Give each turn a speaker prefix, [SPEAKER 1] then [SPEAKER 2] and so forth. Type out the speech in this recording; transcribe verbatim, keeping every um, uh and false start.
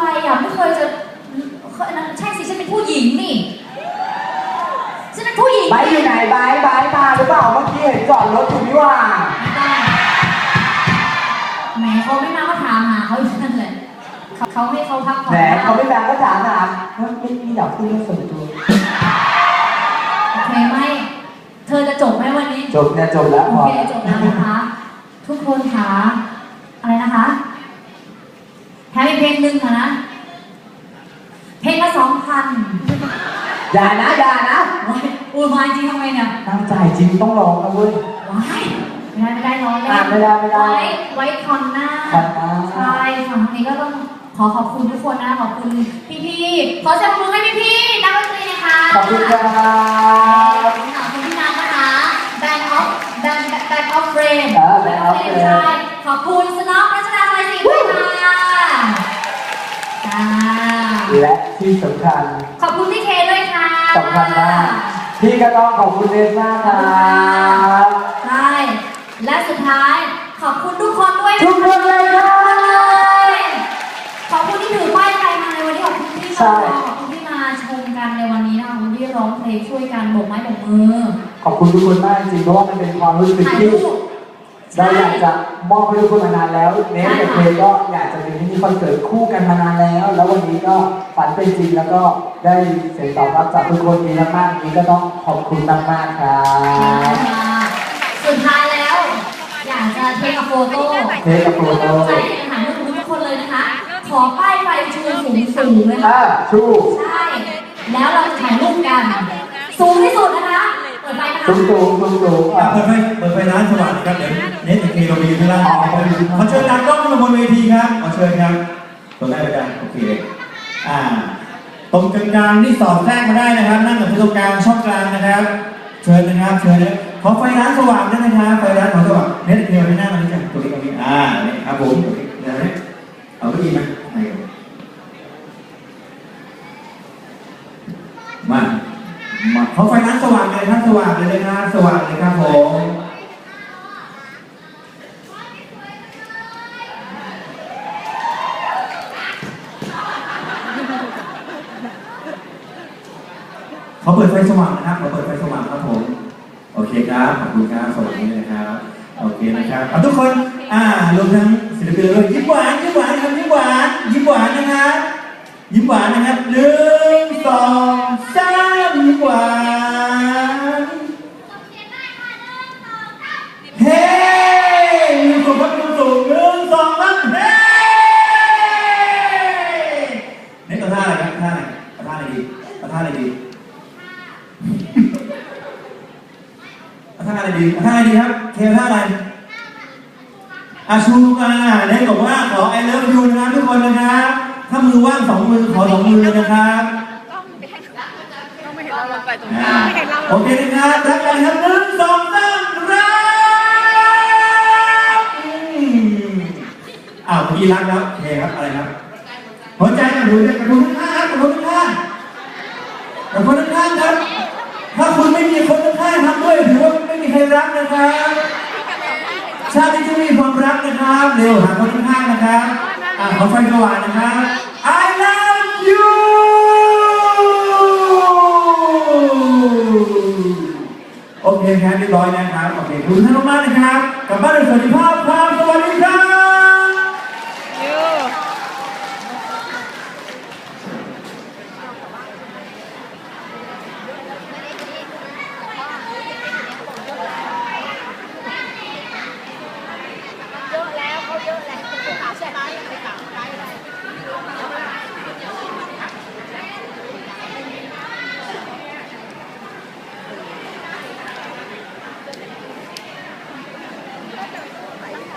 [SPEAKER 1] อ่ะไม่เคยจะใช่สิฉันเป็นผู้หญิงนี่ฉันเป็นผู้หญิง
[SPEAKER 2] ไบอยู่ไหนไบไบมาหรือเปล่าเมื่อกี้เห็นจอดรถอยู่นี่ว่า
[SPEAKER 1] แหมเขาไม่มาก็ถามหาเขาอยู่นั่นแหละเขาให้เขาพักผ่อน
[SPEAKER 2] แหมเขาไม่แบงก็ถามหาไม่ไม่อยากพูดเรื่องส่วนตัว
[SPEAKER 1] โอเคไหมเธอจะจบไหมวันนี้
[SPEAKER 2] จบเนี่ยจบแล้ว
[SPEAKER 1] โอเคจบแล้วนะคะทุกคนคะอะไรนะคะแถมอีกเพลงหนึ่งค่ะนะเพลงละสองพัน
[SPEAKER 2] อย่านะอย่านะ
[SPEAKER 1] อุ้ยมาจริงทำไมเนี่ย
[SPEAKER 2] ตั้งใจจริงต้องร้องนะเว้ย
[SPEAKER 1] ว้ายไม่ได้ไม่ได้ร้องเลย
[SPEAKER 2] ไม่ได้ไม่ได้
[SPEAKER 1] ไว้ไว้คอนหน้าใช่ฝั่งนี้ก็ต้องขอขอบคุณทุกคนนะขอบคุณพี่ๆขอเสียงปรบมือให้พี่ๆนักดนตรีนะคะ
[SPEAKER 2] ขอบคุณครับ
[SPEAKER 1] ขอบคุณพี่น้ำนะคะ Band of Band Band of Frame
[SPEAKER 2] เออ Band of Frame
[SPEAKER 1] ใช่ขอบคุณสน็อกรัชดาไทยศรีด้วยค่ะ
[SPEAKER 2] และที่สำคัญ
[SPEAKER 1] ขอบคุณพี่เคด้วยค่ะ
[SPEAKER 2] สำคัญมากพี่ก็ต้องขอบคุณเนสมากครับ
[SPEAKER 1] ใช่และสุดท้ายขอบคุณทุกคนด้วย
[SPEAKER 2] ทุกคนเลยครับ
[SPEAKER 1] ขอบคุณที่ถือป้ายไทยมาในวันนี้ขอบคุณที่มาขอบคุณที่มาชมกันในวันนี้นะคะขอบคุณที่ร้องเพลงช่วยกันโบกไม้โบกมือ
[SPEAKER 2] ขอบคุณทุกคนมากจริงเพราะว่ามันเป็นความรู้สึกที่เราอยากจะมอบให้ทุกคนมานานแล้วเนสกับเพลงก็อยากจะมีที่นี่คอนเสิร์ตคู่กันมานานแล้วแล้ววันนี้ก็ฝันเป็นจริงแล้วก็ได้เสียงตอบรับจากทุกคนดีมากๆนี้ก็ต้องขอบคุณมากๆครับ
[SPEAKER 1] สุดท้ายแล้วอยากจะเทคกับโฟโต้
[SPEAKER 2] เทคกับโฟโต้
[SPEAKER 1] ใช่ถามทุกคนเลยนะคะขอป้ายไฟชูสูงสูงเลย
[SPEAKER 2] ค่ะชู
[SPEAKER 1] ใช่แล้วเราจะถ่ายรูปกันสูงที่สุดนะคะเปิดไฟนะคะ
[SPEAKER 2] สูงสูงสูงสูง
[SPEAKER 3] เปิดไฟเปิดไฟร้านสว่างครับเดี๋ยวเน็ตมีเรามีที่ร้านขอเชิญนางกล้องมาบนเวทีครับขอเชิญครับตัวแรกเลยกันโอเคอ่าตรงกลางๆที่สอดแทรกมาได้นะครับนั่งกับตรงกลางช่องกลางนะครับเชิญนะครับเชิญนะขอไฟร้านสว่างด้วยนะครับไฟร้านของสว่างเน็ตเดียวไม่น่ามันจะตัวนี้ตรงนี้อ่านี่ครับผมเดี๋ยวนี้เอาไปดีไหมมามาขอไฟร้านสว่างเลยครับสว่างเลยนะครับสว่างเลยครับผมเขาเปิดไฟสว่างนะครับเขาเปิดไฟสว่างครับผมโอเคครับขอบคุณครับสวัสดีนะครับโอเคนะครับทุกคนอ่ารวมทั้งศิลปินเลยยิ้มหวานยิ้มหวานครับยิ้มหวานยิ้มหวานนะครับยิ้มหวานนะครับหนึ่งสองสามยิ้มหวานเฮ้ยืนสูงครับยืนสูงหนึ่งสองสามเฮ้นี่ตัวท่าอะไรครับท่าไหนท่าไหนดีท่าไหนดีท่าอะไรดีท่าอะไรดีครับเทท่าอะไรอาชูมาเนี่ยบอกว่าขอ I love you นะครับทุกคนนะครับถ้ามือว่างสองมือขอสองมือนะครับ
[SPEAKER 4] ต้องไม่เห็นเราลงไปตรงกลางไม่เห็นเรา
[SPEAKER 3] โอเคนะครับรักกันครับหนึ่งสองสามรักอ้าวพี่รักแล้วโอเคครับอะไรครับหัวใจกระดูกกระดูกข้างกระดูกข้างกระดูกข้างครับถ้าคุณไม่มีคนข้างทำด้วยถือว่าไม่มีใครรักนะครับชาติที่จะมีความรักนะครับเร็วหาคนข้างนะครับอ่าขอไฟสว่างนะครับ